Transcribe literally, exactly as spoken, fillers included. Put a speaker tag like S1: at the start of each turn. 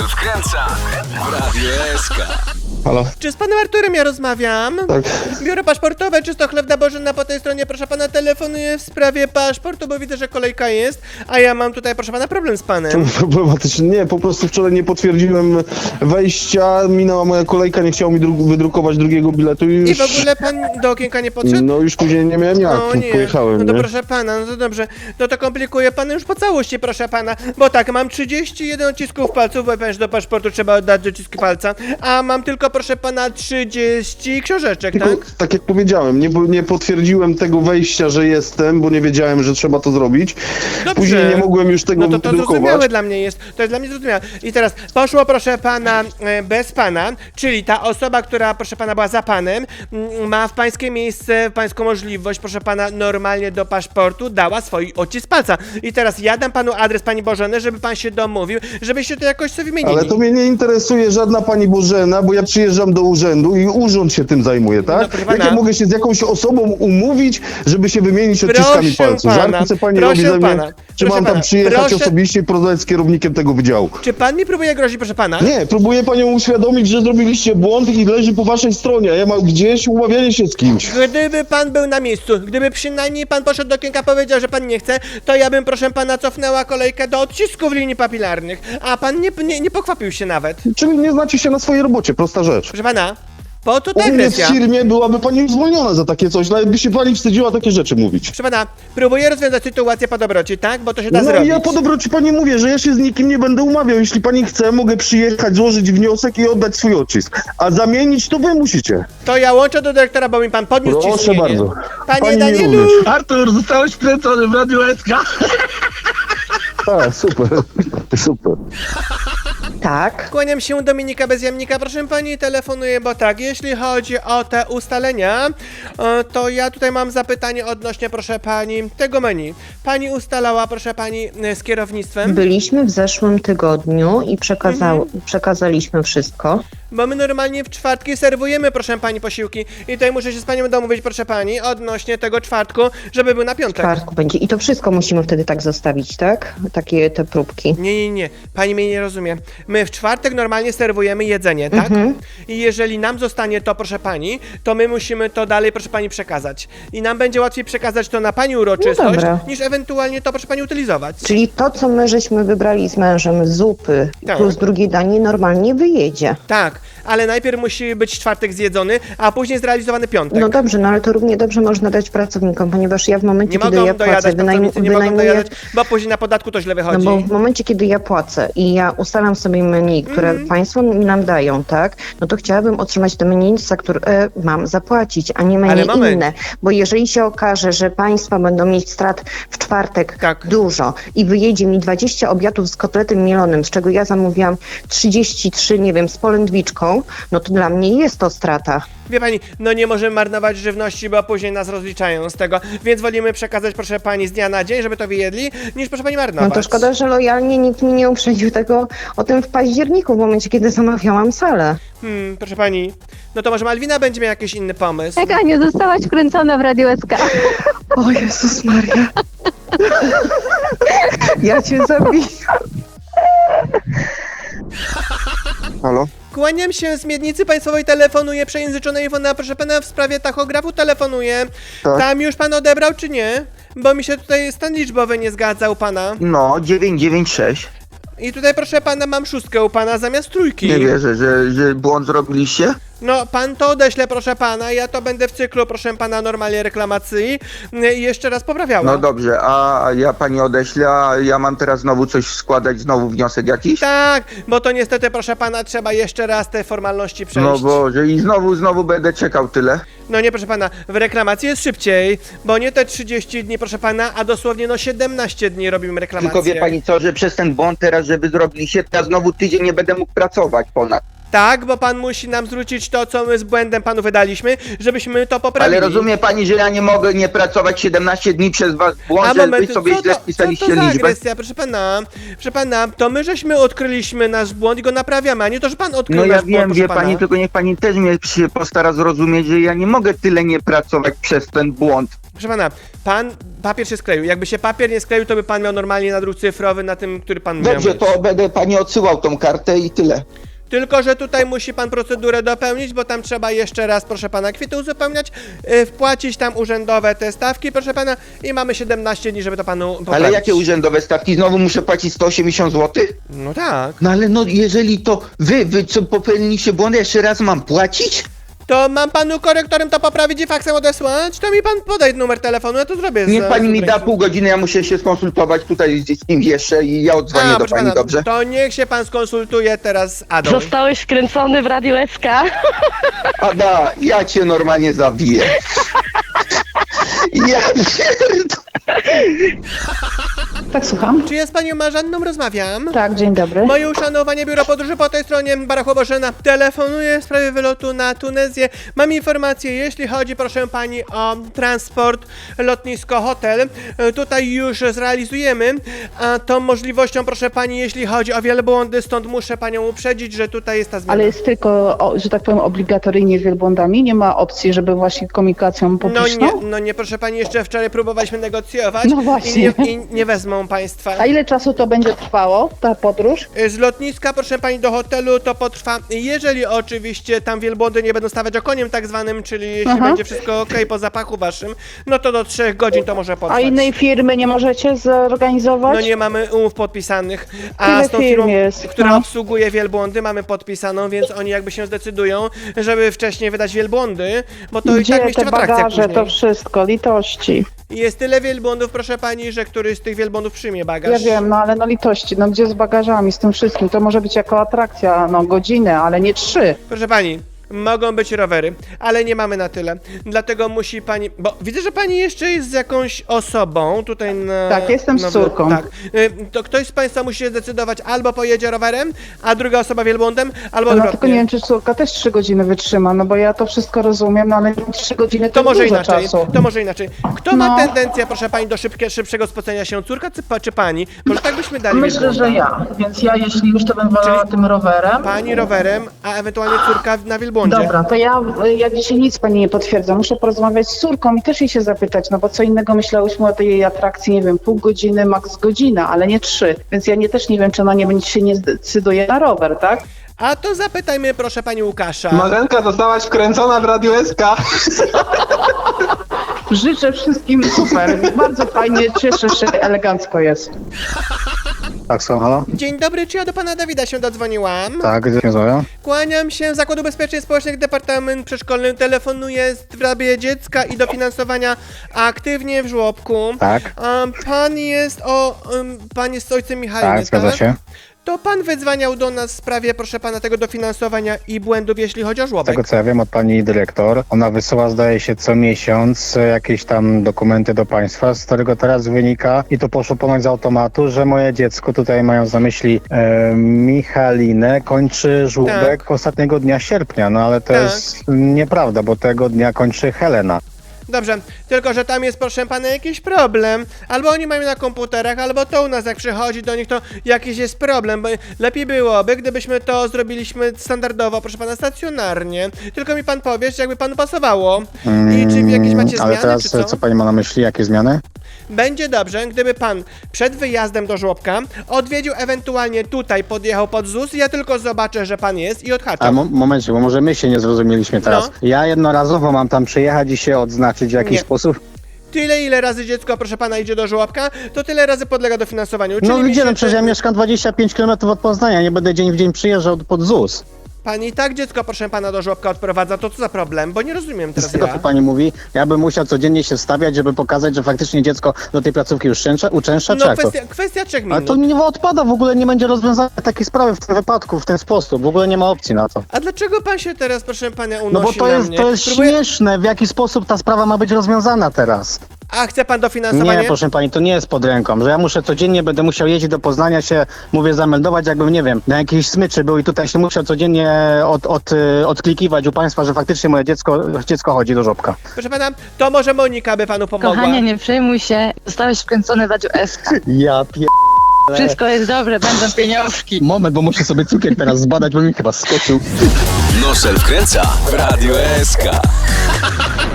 S1: wkręca w Radio S K.
S2: Halo?
S3: Czy z panem Arturem ja rozmawiam?
S2: Tak.
S3: Biuro paszportowe, czysto chlewna Bożena po tej stronie, proszę pana, telefonuję w sprawie paszportu, bo widzę, że kolejka jest, a ja mam tutaj, proszę pana, problem z panem.
S2: Problematycznie. Nie, po prostu wczoraj nie potwierdziłem wejścia, minęła moja kolejka, nie chciał mi dru wydrukować drugiego biletu i już...
S3: I w ogóle pan do okienka nie podszedł?
S2: No już później nie miałem jak,
S3: O nie,
S2: pojechałem,
S3: no to
S2: nie?
S3: proszę pana, no to dobrze, no to komplikuje pan już po całości, proszę pana, bo tak, mam trzydzieści jeden odcisków palców, bo ponieważ do paszportu trzeba oddać odciski palca, a mam tylko, proszę pana, trzydzieści książeczek,
S2: Tylko,
S3: tak?
S2: tak jak powiedziałem, nie, nie potwierdziłem tego wejścia, że jestem, bo nie wiedziałem, że trzeba to zrobić.
S3: Dobrze.
S2: Później nie mogłem już tego
S3: No to to
S2: wydrukować.
S3: zrozumiałe dla mnie jest, to jest dla mnie zrozumiałe. I teraz poszło, proszę pana, e, bez pana, czyli ta osoba, która, proszę pana, była za panem, m, ma w pańskie miejsce, w pańską możliwość, proszę pana, normalnie do paszportu dała swój odcisk palca. I teraz ja dam panu adres pani Bożeny, żeby pan się domówił, żebyście to jakoś sobie wymienili.
S2: Ale to mnie nie interesuje żadna pani Bożena, bo ja przyjeżdżam do urzędu i urząd się tym zajmuje, tak?
S3: No, proszę
S2: Jak
S3: pana.
S2: ja mogę się z jakąś osobą umówić, żeby się wymienić odciskami
S3: Proszę
S2: palców?
S3: pana,
S2: Żarty pani
S3: proszę
S2: robi ze mnie?
S3: pana,
S2: Czy
S3: proszę
S2: mam tam
S3: pana,
S2: przyjechać
S3: proszę-
S2: osobiście i porozmawiać z kierownikiem tego wydziału?
S3: Czy pan mi próbuje grozić, proszę pana?
S2: Nie, próbuję panią uświadomić, że zrobiliście błąd i leży po waszej stronie, a ja mam gdzieś umawianie się z kimś.
S3: Gdyby pan był na miejscu, gdyby przynajmniej pan poszedł do okienka, powiedział, że pan nie chce, to ja bym, proszę pana, cofnęła kolejkę do odcisków linii papilarnych, a pan nie, nie, nie pokwapił się nawet.
S2: Czyli nie znacie się na swojej robocie, prosta rzecz.
S3: Proszę pana, po co ta
S2: U mnie w
S3: agresja?
S2: firmie byłaby pani zwolniona za takie coś, nawet by się pani wstydziła takie rzeczy mówić.
S3: Proszę pana, próbuję rozwiązać sytuację po dobroci, tak? Bo to się da
S2: No
S3: zrobić.
S2: i ja po dobroci pani mówię, że ja się z nikim nie będę umawiał. Jeśli pani chce, mogę przyjechać, złożyć wniosek i oddać swój odcisk. A zamienić to wy musicie.
S3: To ja łączę do dyrektora, bo mi pan podniósł
S2: Proszę
S3: ciśnienie.
S2: bardzo.
S3: Panie
S2: Pani mi
S3: Danielu!
S2: również.
S4: Artur, zostałeś wkręcony w Radio S K.
S2: Tak, super, super.
S5: Tak.
S3: Kłaniam się, Dominika Bezjamnika, proszę pani, telefonuję, bo tak, jeśli chodzi o te ustalenia, e, to ja tutaj mam zapytanie odnośnie, proszę pani, tego menu. Pani ustalała, proszę pani, e, z kierownictwem,
S5: Byliśmy w zeszłym tygodniu i przekazał,
S3: Mhm.
S5: przekazaliśmy wszystko.
S3: bo my normalnie w czwartki serwujemy, proszę pani, posiłki i tutaj muszę się z panią domówić, proszę pani, odnośnie tego czwartku, żeby był na
S5: W
S3: piątek.
S5: czwartku będzie. I to wszystko musimy wtedy tak zostawić, tak? Takie te próbki.
S3: Nie, nie, nie, pani mnie nie rozumie. My w czwartek normalnie serwujemy jedzenie, tak?
S5: Mhm.
S3: I jeżeli nam zostanie to, proszę pani, to my musimy to dalej, proszę pani, przekazać. I nam będzie łatwiej przekazać to na pani uroczystość,
S5: dobra.
S3: niż ewentualnie to, proszę pani, utylizować.
S5: Czyli to, co my żeśmy wybrali z mężem, zupy
S3: Tak.
S5: plus drugie danie, normalnie wyjedzie.
S3: Tak, ale najpierw musi być czwartek zjedzony, a później zrealizowany piątek.
S5: No dobrze, no ale to równie dobrze można dać pracownikom, ponieważ ja w momencie,
S3: Nie
S5: kiedy
S3: mogą
S5: ja płacę,
S3: dojadać,
S5: wynajm-
S3: pracownicy nie mogą
S5: wynajmuję...
S3: dojadać, bo później na podatku to źle
S5: No
S3: wychodzi.
S5: bo w momencie, kiedy ja płacę i ja ustalam sobie menu, które
S3: Mhm.
S5: państwo mi nam dają, tak, no to chciałabym otrzymać to menu, za które e, mam zapłacić, a nie menu
S3: Ale moment.
S5: inne. Bo jeżeli się okaże, że państwo będą mieć strat w czwartek
S3: Tak.
S5: dużo i wyjedzie mi dwadzieścia obiadów z kotletem mielonym, z czego ja zamówiłam trzydzieści trzy, nie wiem, z polędwiczką, no to dla mnie jest to strata.
S3: Wie pani, no nie możemy marnować żywności, bo później nas rozliczają z tego, więc wolimy przekazać, proszę pani, z dnia na dzień, żeby to wyjedli, niż, proszę pani, marnować.
S5: No to szkoda, że lojalnie nikt mi nie uprzedził tego o tym w październiku, w momencie, kiedy zamawiałam salę.
S3: Hmm, proszę pani, no to może Malwina będzie miała jakiś inny pomysł.
S6: Tak, Aniu, zostałaś wkręcona w Radio S K.
S5: O Jezus Maria. Ja cię zabiję.
S2: Halo?
S3: Kłaniam się z Miednicy Państwowej, telefonuję, przejęzyczona Iwona, proszę pana, w sprawie tachografu telefonuję.
S2: Tak.
S3: Tam już pan odebrał, czy nie? Bo mi się tutaj stan liczbowy nie zgadza u pana.
S4: No, dziewięć dziewięć sześć.
S3: I tutaj, proszę pana, mam szóstkę u pana zamiast trójki.
S4: Nie wierzę, że, że błąd zrobiliście.
S3: No, pan to odeśle, proszę pana, ja to będę w cyklu, proszę pana, normalnie reklamacji i jeszcze raz poprawiała.
S4: No dobrze, a ja pani odeślę, a ja mam teraz znowu coś składać, znowu wniosek jakiś?
S3: Tak, bo to niestety, proszę pana, trzeba jeszcze raz te formalności przejść.
S4: No Boże, i znowu, znowu będę czekał tyle.
S3: No nie, proszę pana, w reklamacji jest szybciej, bo nie te trzydzieści dni, proszę pana, a dosłownie no siedemnaście dni robimy reklamację.
S4: Tylko wie pani co, że przez ten błąd teraz, żeby zrobiliście, to ja znowu tydzień nie będę mógł pracować ponad.
S3: Tak, bo pan musi nam zwrócić to, co my z błędem panu wydaliśmy, żebyśmy to poprawili.
S4: Ale rozumie pani, że ja nie mogę nie pracować siedemnaście dni przez was błąd,
S3: A
S4: że
S3: moment,
S4: wy sobie
S3: co
S4: źle
S3: to, co
S4: spisaliście
S3: to za
S4: liczbę?
S3: agresja, proszę pana, proszę pana, to my żeśmy odkryliśmy nasz błąd i go naprawiamy, a nie to, że pan odkrył
S4: No ja
S3: nasz błąd,
S4: wiem,
S3: proszę
S4: wie
S3: pana.
S4: pani, tylko niech pani też mnie się postara zrozumieć, że ja nie mogę tyle nie pracować przez ten błąd.
S3: Proszę pana, pan papier się skleił. Jakby się papier nie skleił, to by pan miał normalnie nadruk cyfrowy na tym, który pan miał
S4: Dobrze,
S3: mieć.
S4: to będę pani odsyłał tą kartę i tyle.
S3: Tylko że tutaj musi pan procedurę dopełnić, bo tam trzeba jeszcze raz, proszę pana, kwity uzupełniać, yy, wpłacić tam urzędowe te stawki, proszę pana, i mamy siedemnaście dni, żeby to panu poprawić.
S4: Ale jakie urzędowe stawki? Znowu muszę płacić sto osiemdziesiąt złotych?
S3: No tak.
S4: No ale no jeżeli to wy, wy co popełniliście błąd, jeszcze raz mam płacić?
S3: To mam panu korektorem to poprawić i faksem odesłać? To mi pan podaj numer telefonu, ja to zrobię. z-
S4: Niech pani
S3: z
S4: mi da
S3: ręki.
S4: pół godziny, ja muszę się skonsultować tutaj z z kimś jeszcze i ja odzwonię
S3: A,
S4: do
S3: proszę
S4: pani,
S3: pana,
S4: dobrze?
S3: to niech się pan skonsultuje teraz z Adą.
S6: Zostałeś wkręcony w Radio S K.
S4: Ada, ja cię normalnie zabiję. Ja pierdolę.
S7: Tak, słucham?
S3: Czy ja z panią Marzanną rozmawiam?
S7: Tak, dzień dobry.
S3: Moje uszanowanie, biuro podróży po tej stronie, Barachowa Bożena. Telefonuję w sprawie wylotu na Tunezję. Mam informację, jeśli chodzi, proszę pani, o transport, lotnisko, hotel. E, Tutaj już zrealizujemy a tą możliwością, proszę pani, jeśli chodzi o wielbłądy, stąd muszę panią uprzedzić, że tutaj jest ta zmiana.
S7: Ale jest tylko, o, że tak powiem, obligatoryjnie z wielbłądami? Nie ma opcji, żeby właśnie komunikacją
S3: No
S7: publiczną?
S3: nie, no nie, proszę pani, jeszcze wczoraj próbowaliśmy negocjować
S7: No właśnie.
S3: i nie, i nie wezmą państwa.
S7: A ile czasu to będzie trwało, ta podróż?
S3: Z lotniska, proszę pani, do hotelu to potrwa, jeżeli oczywiście tam wielbłądy nie będą stawać okoniem tak zwanym, czyli jeśli
S7: Aha.
S3: będzie wszystko ok po zapachu waszym, no to do trzech godzin to może potrwać.
S7: A innej firmy nie możecie zorganizować?
S3: No nie mamy umów podpisanych, a
S7: Tyle
S3: z tą
S7: firm
S3: firmą,
S7: jest,
S3: która
S7: no.
S3: obsługuje wielbłądy, mamy podpisaną, więc oni jakby się zdecydują, żeby wcześniej wydać wielbłądy, bo to i
S7: Gdzie
S3: tak mieści
S7: te
S3: w atrakcjach
S7: bagaże,
S3: później.
S7: to wszystko, litości.
S3: Jest tyle wielbłądów, proszę pani, że któryś z tych wielbłądów przyjmie bagaż.
S7: Ja wiem, no ale no litości, no gdzie z bagażami, z tym wszystkim? To może być jako atrakcja, no godzinę, ale nie trzy.
S3: Proszę pani, mogą być rowery, ale nie mamy na tyle. Dlatego musi pani. Bo widzę, że pani jeszcze jest z jakąś osobą tutaj na.
S7: Tak, jestem z
S3: na-
S7: córką.
S3: Tak. Y, To ktoś z państwa musi się zdecydować, albo pojedzie rowerem, a druga osoba wielbłądem, albo
S7: No tylko
S3: odwrotnie.
S7: nie wiem, czy córka też trzy godziny wytrzyma, no bo ja to wszystko rozumiem, no ale trzy godziny to,
S3: To może
S7: dużo
S3: inaczej,
S7: czasu.
S3: to może inaczej. Kto ma
S7: No.
S3: tendencję, proszę pani, do szybkie, szybszego spocenia się? Córka czy, pa- czy pani? Może tak byśmy dali
S8: Myślę,
S3: wielbłąda.
S8: że ja, więc ja jeśli już to bym wolała
S3: Czyli
S8: tym rowerem.
S3: Pani rowerem, a ewentualnie córka na wielbłądzie.
S8: Dobra,
S7: To ja, ja dzisiaj nic pani nie potwierdzam. Muszę porozmawiać z córką i też jej się zapytać, no bo co innego myślałyśmy o tej atrakcji, nie wiem, pół godziny, maks godzina, ale nie trzy. Więc ja nie, też nie wiem, czy ona nie będzie się nie zdecyduje na rower, tak?
S3: A to zapytajmy, proszę pani Łukasza.
S9: Marzenka, zostałaś wkręcona w Radio S K.
S7: Życzę wszystkim super, bardzo fajnie, cieszę się, elegancko jest.
S10: Tak, są, halo?
S3: Dzień dobry, czy ja do pana Dawida się dodzwoniłam?
S10: Tak, gdzie rozmawiam?
S3: Kłaniam się, Zakład Ubezpieczeń Społecznych, Departament Przedszkolny. Telefonuję w sprawie dziecka i dofinansowania aktywnie w żłobku.
S10: Tak.
S3: Um, pan jest o... Um, pan jest ojcem Michałem,
S10: Tak, zgadza się.
S3: To pan wydzwaniał do nas w sprawie, proszę pana, tego dofinansowania i błędów, jeśli chodzi o
S10: Z
S3: żłobek.
S10: tego co ja wiem od pani dyrektor, ona wysyła zdaje się co miesiąc e, jakieś tam dokumenty do państwa, z którego teraz wynika i to poszło ponoć z automatu, że moje dziecko, tutaj mają na myśli e, Michalinę, kończy żłóbek
S3: Tak.
S10: ostatniego dnia sierpnia, no ale to
S3: Tak.
S10: jest nieprawda, bo tego dnia kończy Helena.
S3: Dobrze, tylko że tam jest, proszę pana, jakiś problem. Albo oni mają na komputerach, albo to u nas, jak przychodzi do nich, to jakiś jest problem. Bo lepiej byłoby, gdybyśmy to zrobiliśmy standardowo, proszę pana, stacjonarnie. Tylko mi pan powie, czy jakby panu pasowało. I czy jakieś macie
S10: Mm, ale
S3: zmiany,
S10: teraz
S3: czy co?
S10: co pani ma na myśli, jakie zmiany?
S3: Będzie dobrze, gdyby pan przed wyjazdem do żłobka odwiedził ewentualnie tutaj, podjechał pod Z U S, ja tylko zobaczę, że pan jest i
S10: A
S3: odhaczam.
S10: mo- momencie, bo może my się nie zrozumieliśmy teraz.
S3: No.
S10: Ja jednorazowo mam tam przyjechać i się odznaczyć w jakiś
S3: Nie.
S10: sposób?
S3: Tyle, ile razy dziecko, proszę pana, idzie do żłobka, to tyle razy podlega dofinansowaniu.
S10: No
S3: Czyli
S10: gdzie, no
S3: miesięcznie-
S10: przecież ja mieszkam dwadzieścia pięć kilometrów od Poznania, nie będę dzień w dzień przyjeżdżał pod Z U S.
S3: Pani i tak dziecko, proszę pana, do żłobka odprowadza, to co za problem? Bo nie rozumiem
S10: Z
S3: teraz
S10: tego,
S3: ja.
S10: co pani mówi, ja bym musiał codziennie się wstawiać, żeby pokazać, że faktycznie dziecko do tej placówki uczęszcza, uczęszcza, czy
S3: No
S10: jak to?
S3: kwestia, kwestia trzech
S10: Ale
S3: minut.
S10: to nie odpada, w ogóle nie będzie rozwiązania takiej sprawy w tym wypadku, w ten sposób, w ogóle nie ma opcji na to.
S3: A dlaczego pan się teraz, proszę pana, unosi
S10: No bo to
S3: na
S10: jest,
S3: mnie?
S10: to jest
S3: Próbuję-
S10: śmieszne, w jaki sposób ta sprawa ma być rozwiązana teraz.
S3: A chce pan dofinansowanie?
S10: Nie, proszę pani, to nie jest pod ręką, że ja muszę codziennie, będę musiał jeździć do Poznania się, mówię, zameldować, jakbym, nie wiem, na jakiejś smyczy był i tutaj się musiał codziennie od, od, y, odklikiwać u państwa, że faktycznie moje dziecko, dziecko chodzi do żłobka.
S3: Proszę pana, to może Monika by panu pomogła.
S6: Kochanie, nie przejmuj się. Zostałeś wkręcony w Radio S K.
S10: Ja pier...
S6: Wszystko jest dobre, będą pieniążki.
S10: Moment, bo muszę sobie cukier teraz zbadać, bo mi chyba skoczył.
S1: Nosel wkręca w Radio S K.